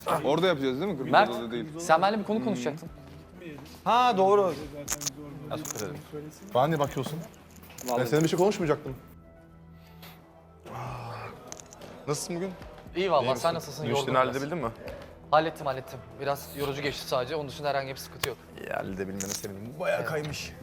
Orada yapacağız değil mi? Kırmızı Mert, odada değil. sen benimle bir konu konuşacaktın. Ha doğru. Bana niye bakıyorsun? Ben seninle bir şey konuşmayacaktım. Nasılsın bugün? İyi vallahi, sen nasılsın? Dün işini Yorgunum biraz. halledebildin mi? Hallettim. Biraz yorucu geçti sadece. Onun dışında herhangi bir sıkıntı yok. İyi halledebilmene sevindim. Bayağı kaymış.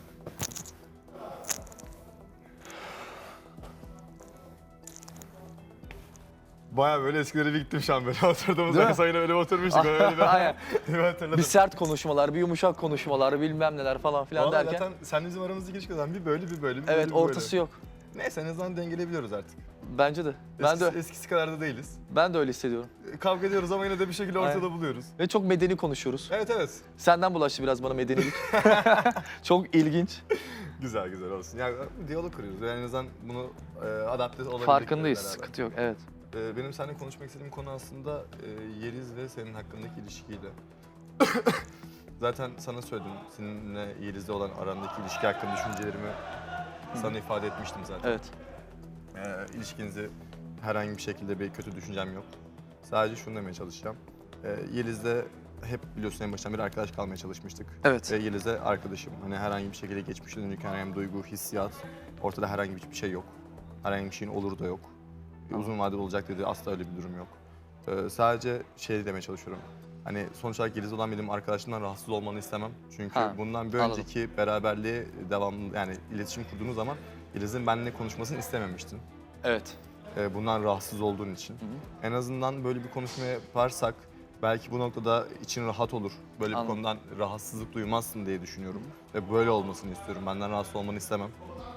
Bayağı böyle eskilere bir gittim şu an böyle oturduğumuz Değil mi? sayına öyle oturmuştuk. Öyle bir, Aynen. bir hatırladım. Bir sert konuşmalar, bir yumuşak konuşmalar, bilmem neler falan filan Vallahi derken. zaten sen bizim aramızdaki ilişkiden bir böyle bir böyle bir Evet, böyle, bir ortası böyle. yok. Neyse en azından dengeleyebiliyoruz artık. Bence de. Eskisi kadar da değiliz. Ben de öyle hissediyorum. Kavga ediyoruz ama yine de bir şekilde ortada Aynen. buluyoruz. Ve çok medeni konuşuyoruz. Evet evet. Senden bulaştı biraz bana medenilik. Çok ilginç. Güzel olsun. Yani diyalog kuruyoruz. Yani en azından bunu adapte olabildik. Farkındayız. beraber. Sıkıntı yok. Evet. Benim seninle konuşmak istediğim konu aslında Yeliz ve senin hakkındaki ilişkiydi. Zaten sana söyledim. Seninle Yeliz'le olan arandaki ilişki hakkında düşüncelerimi sana ifade etmiştim zaten. Evet. İlişkinizi herhangi bir şekilde bir kötü düşüncem yok. Sadece şunu demeye çalışacağım. Yeliz'le hep biliyorsun en baştan beri arkadaş kalmaya çalışmıştık. Evet. Ve Yeliz'le arkadaşım. Hani herhangi bir şekilde geçmişe dönük herhangi bir duygu, hissiyat, ortada herhangi bir şey yok. Herhangi bir şeyin olur da yok. Uzun vadeli olacak dedi, asla öyle bir durum yok. Sadece şey demeye çalışıyorum. Hani sonuç olarak Yeliz'le olan benim arkadaşımdan rahatsız olmanı istemem. Çünkü bundan bir anladım. önceki beraberliğe devamlı yani iletişim kurduğunuz zaman Yeliz'in benimle konuşmasını istememiştin. Evet. Bundan rahatsız olduğun için. En azından böyle bir konuşma yaparsak belki bu noktada için rahat olur. Böyle Anladım. bir konudan rahatsızlık duymazsın diye düşünüyorum. Ve böyle olmasını istiyorum. Benden rahatsız olmanı istemem.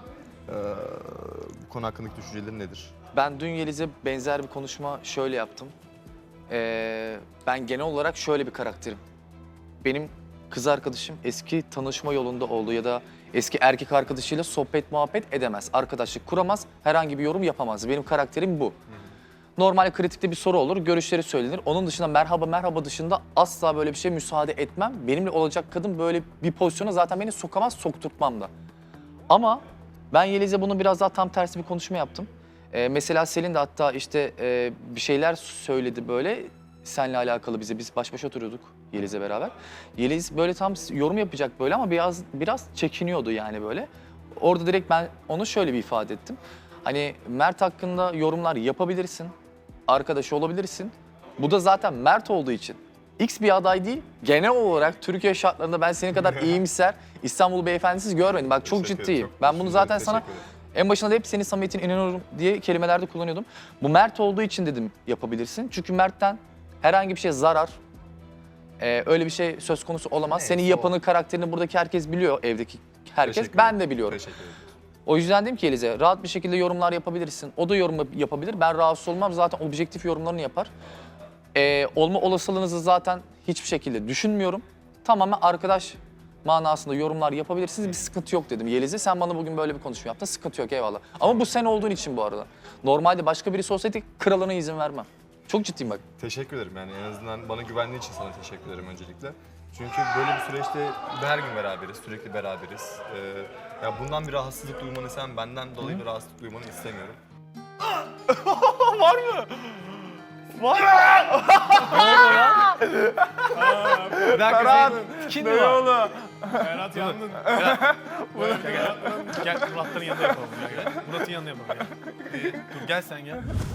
Bu konu hakkındaki düşüncelerin nedir? Ben dün Yeliz'e benzer bir konuşma şöyle yaptım. Ben genel olarak şöyle bir karakterim. Benim kız arkadaşım eski tanışma yolunda olduğu ya da eski erkek arkadaşıyla sohbet muhabbet edemez. Arkadaşlık kuramaz, herhangi bir yorum yapamaz. Benim karakterim bu. Normal kritikte bir soru olur, görüşleri söylenir. Onun dışında merhaba dışında asla böyle bir şeye müsaade etmem. Benimle olacak kadın böyle bir pozisyona zaten beni sokamaz, sokturtmam da. Ama ben Yeliz'e bunu biraz daha tam tersi bir konuşma yaptım. Mesela Selin de hatta işte bir şeyler söyledi böyle seninle alakalı bize. Biz baş başa oturuyorduk Yeliz'le beraber. Yeliz böyle tam yorum yapacak böyle ama biraz çekiniyordu yani böyle. Orada direkt ben onu şöyle bir ifade ettim. Hani Mert hakkında yorumlar yapabilirsin, arkadaşı olabilirsin. Bu da zaten Mert olduğu için. X bir aday değil, genel olarak Türkiye şartlarında ben senin kadar iyimser, İstanbul beyefendisiz görmedim. Bak çok Teşekkür ciddiyim. ederim, çok Ben bunu zaten teşekkür sana ederim. en başında da hep senin samimiyetine inanıyorum diye kelimelerde kullanıyordum. Bu Mert olduğu için dedim yapabilirsin. Çünkü Mert'ten herhangi bir şey zarar, öyle bir şey söz konusu olamaz. Neyse, Senin yapanı, karakterini buradaki herkes biliyor, evdeki herkes. Teşekkür Ben ederim. de biliyorum. Teşekkür ederim. O yüzden dedim ki Yeliz'e rahat bir şekilde yorumlar yapabilirsin. O da yorum yapabilir. Ben rahatsız olmam. Zaten objektif yorumlarını yapar. Olma olasılığınızı zaten hiçbir şekilde düşünmüyorum. Tamamen arkadaş manasında yorumlar yapabilirsiniz. Bir sıkıntı yok dedim Yeliz'e. Sen bana bugün böyle bir konuşma yaptın. Sıkıntı yok eyvallah. Ama bu sen olduğun için bu arada. Normalde başka birisi olsaydı kralına izin vermem. Çok ciddiyim bak. Teşekkür ederim yani en azından bana güvendiğin için sana teşekkür ederim öncelikle. Çünkü böyle bir süreçte her gün beraberiz, sürekli beraberiz. Ya bundan bir rahatsızlık duymanı sen benden dolayı bir rahatsızlık duymanı istemiyorum. Berat yandın. Gel Murat'ların yanında yapalım. Gel. Murat'ın yanında yapalım. Gel. Dur gel sen gel.